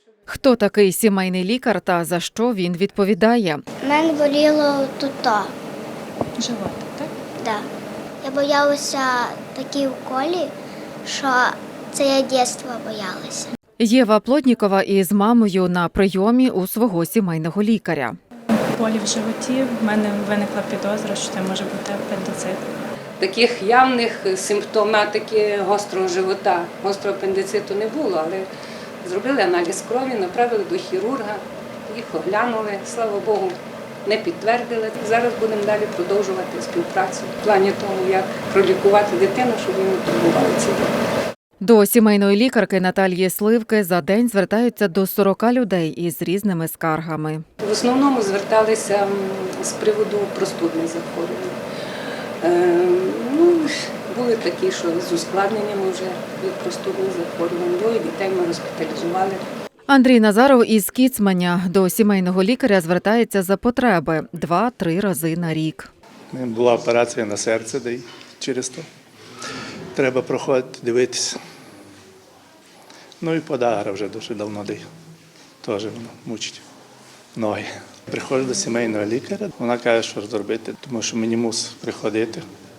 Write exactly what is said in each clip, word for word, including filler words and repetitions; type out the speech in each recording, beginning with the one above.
Хто такий сімейний лікар та за що він відповідає? У мене боліло тут. Животик, так? Да. Я боялася такі уколі, що це я дитинства боялася. Єва Плотнікова із мамою на прийомі у свого сімейного лікаря. Болі в животі, в мене виникла підозра, що це може бути апендицит. Таких явних симптоматики гострого живота, гострого апендициту не було, але зробили аналіз крові, направили до хірурга, їх оглянули, слава Богу, не підтвердили. Зараз будемо далі продовжувати співпрацю в плані того, як пролікувати дитину, щоб її не турбували ці діти. До сімейної лікарки Наталії Сливки за день звертаються до сорока людей із різними скаргами. В основному зверталися з приводу простудних захворювань. Е, ну, були такі, що з ускладненнями вже від простудних захворювань. Двоє дітей ми госпіталізували. Андрій Назаров із Кіцманя до сімейного лікаря звертається за потреби два-три рази на рік. Була операція на серце, де й через то треба проходити, дивитися. Ну і подагра вже дуже давно, де теж вона мучить ноги. Приходжу до сімейного лікаря, вона каже, що зробити, тому що мені мусить приходити,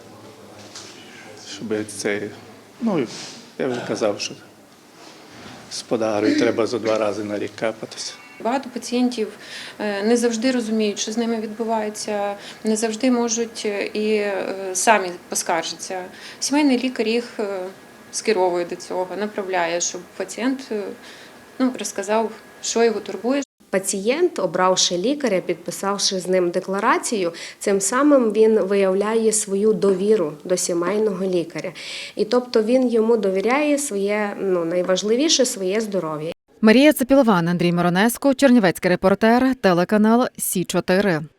щоб це, ну, я вже казав, що з подагрою треба за два рази на рік капатися. Багато пацієнтів не завжди розуміють, що з ними відбувається, не завжди можуть і самі поскаржитися. Сімейний лікар їх скеровує до цього, направляє, щоб пацієнт ну, розказав, що його турбує. Пацієнт, обравши лікаря, підписавши з ним декларацію, цим самим він виявляє свою довіру до сімейного лікаря. І тобто він йому довіряє своє, ну, найважливіше, своє здоров'я. Марія Цепілован, Андрій Миронеско, Чернівецький репортер, телеканал Сі чотири.